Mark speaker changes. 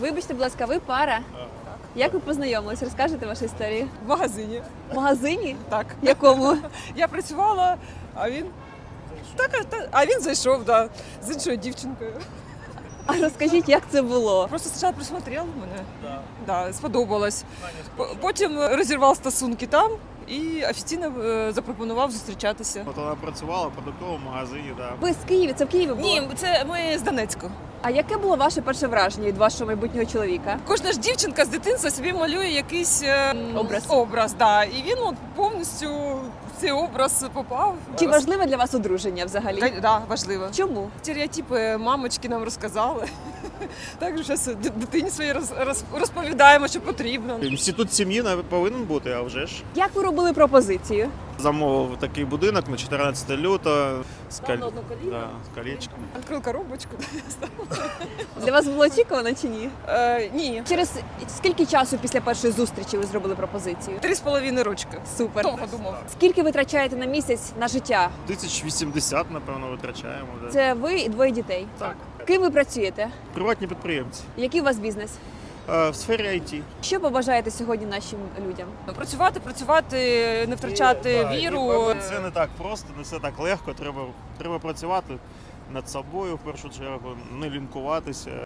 Speaker 1: Вибачте, будь ласка, ви пара? Так. Як ви познайомились? Розкажете вашу історію?
Speaker 2: В магазині.
Speaker 1: В магазині?
Speaker 2: Так.
Speaker 1: Якому?
Speaker 2: Я працювала, а він. А він зайшов, да, з іншою дівчинкою.
Speaker 1: А розкажіть, як це було?
Speaker 2: Просто спочатку присмотрел мене. Да, сподобалось. Потім розірвав стосунки там і офіційно запропонував зустрічатися.
Speaker 3: От вона працювала в продуктовому магазині, да.
Speaker 1: Ви з Києва? Це в Києві було?
Speaker 2: Ні, це ми з Донецьку.
Speaker 1: А яке було ваше перше враження від вашого майбутнього чоловіка?
Speaker 2: Кожна ж дівчинка з дитинства собі малює якийсь
Speaker 1: Образ.
Speaker 2: да. І він от повністю в цей образ попав.
Speaker 1: Чи важливе для вас одруження взагалі?
Speaker 2: Да, важливо.
Speaker 1: Чому?
Speaker 2: Стереотипи мамочки нам розказали. Так що зараз дитині своїй розповідаємо, що потрібно.
Speaker 3: Інститут сім'ї повинен бути, а вже ж.
Speaker 1: Як ви робили пропозицію?
Speaker 3: Замовив такий будинок на 14 лютого з,
Speaker 2: Став на одну коліно.
Speaker 3: да, з колечком.
Speaker 2: Відкрив коробочку.
Speaker 1: Для вас було очікувано чи ні?
Speaker 2: Ні.
Speaker 1: Через скільки часу після першої зустрічі ви зробили пропозицію?
Speaker 2: 3,5 рочки.
Speaker 1: Супер.
Speaker 2: Довго думав.
Speaker 1: Скільки ви витрачаєте на місяць на життя?
Speaker 3: 1080, напевно, витрачаємо. Да.
Speaker 1: Це ви і двоє дітей.
Speaker 3: Так.
Speaker 1: Ким ви працюєте?
Speaker 3: Приватні підприємці.
Speaker 1: Який у вас бізнес?
Speaker 3: В сфері IT.
Speaker 1: Що побажаєте сьогодні нашим людям?
Speaker 2: Працювати, не втрачати віру.
Speaker 3: Це не так просто, не все так легко. Треба працювати над собою в першу чергу, не лінкуватися.